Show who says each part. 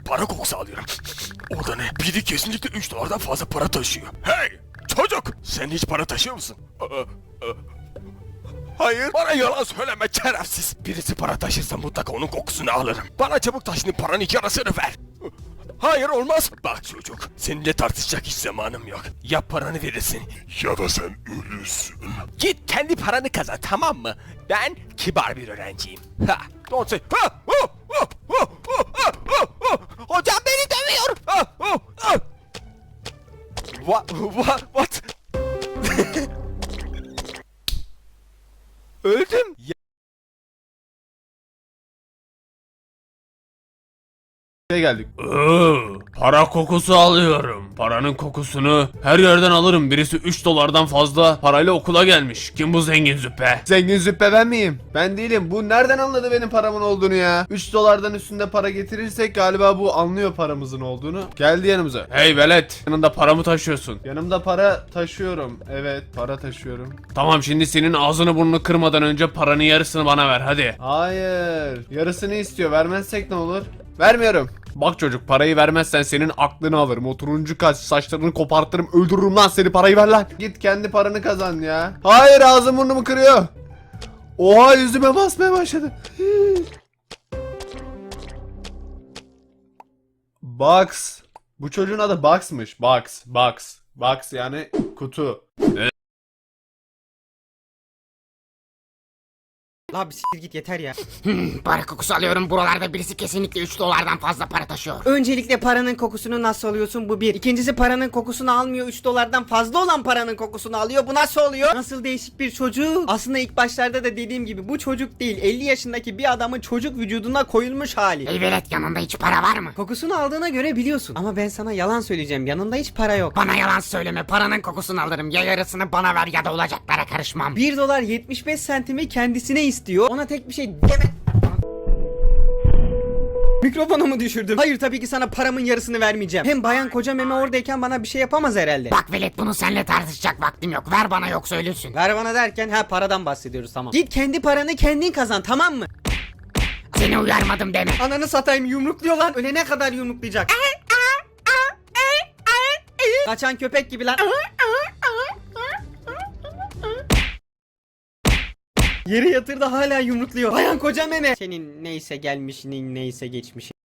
Speaker 1: para kokusu alıyorum. O da ne? Biri kesinlikle 3 dolardan fazla para taşıyor. Hey! Çocuk! Sen hiç para taşıyor musun? Hayır. Bana yalan söyleme şerefsiz. Birisi para taşırsa mutlaka onun kokusunu alırım. Bana çabuk taşını paranın yarısını ver. Hayır olmaz. Bak çocuk, seninle tartışacak hiç zamanım yok. Ya paranı verirsin ya da sen ölürsün. Git kendi paranı kazan, tamam mı? Ben kibar bir öğrenciyim. Ha, don't say. Ha, hocam beni dövüyor. What? Öldüm.
Speaker 2: Geldik.
Speaker 3: Para kokusu alıyorum. Paranın kokusunu her yerden alırım. Birisi 3 dolardan fazla parayla okula gelmiş. Kim bu zengin züppe?
Speaker 2: Zengin züppe ben miyim? Ben değilim. Bu nereden anladı benim paramın olduğunu ya? 3 dolardan üstünde para getirirsek galiba bu anlıyor paramızın olduğunu. Geldi yanımıza.
Speaker 3: Hey velet, yanında para mı taşıyorsun?
Speaker 2: Yanımda para taşıyorum. Evet, para taşıyorum.
Speaker 3: Tamam, şimdi senin ağzını burnunu kırmadan önce paranın yarısını bana ver hadi.
Speaker 2: Hayır. Yarısını istiyor. Vermezsek ne olur? Vermiyorum.
Speaker 3: Bak çocuk, parayı vermezsen senin aklını alırım. O turuncu kaş saçlarını kopartırım, öldürürüm lan seni, parayı ver lan.
Speaker 2: Git kendi paranı kazan ya. Hayır, ağzım burnumu kırıyor. Oha, yüzüme basmaya başladı. Box. Bu çocuğun adı Box'mış. Box yani kutu.
Speaker 4: La bir siktir git yeter ya.
Speaker 5: Para kokusu alıyorum. Buralarda birisi kesinlikle 3 dolardan fazla para taşıyor.
Speaker 4: Öncelikle paranın kokusunu nasıl alıyorsun, bu bir. İkincisi paranın kokusunu almıyor, 3 dolardan fazla olan paranın kokusunu alıyor. Bu nasıl oluyor? Nasıl değişik bir çocuk. Aslında ilk başlarda da dediğim gibi bu çocuk değil, 50 yaşındaki bir adamın çocuk vücuduna koyulmuş hali.
Speaker 5: Hey velet, yanında hiç para var mı?
Speaker 4: Kokusunu aldığına göre biliyorsun. Ama ben sana yalan söyleyeceğim, yanında hiç para yok.
Speaker 5: Bana yalan söyleme. Paranın kokusunu alırım. Ya yarısını bana ver ya da olacaklara karışmam.
Speaker 4: 1 dolar 75 sentimi kendisine istiyor. Ona tek bir şey deme. Mikrofonumu düşürdüm. Hayır, tabii ki sana paramın yarısını vermeyeceğim. Hem bayan koca meme oradayken bana bir şey yapamaz herhalde.
Speaker 5: Bak velet, bunu seninle tartışacak vaktim yok. Ver bana yoksa ölürsün.
Speaker 4: Ver bana derken paradan bahsediyoruz, tamam. Git kendi paranı kendin kazan, tamam mı?
Speaker 5: Seni uyarmadım deme.
Speaker 4: Ananı satayım, yumrukluyor lan. Ölene kadar yumruklayacak. Kaçan köpek gibi lan. Yere yatırdı, hala yumrukluyor. Bayan koca meme. Senin neyse gelmişinin neyse geçmişi.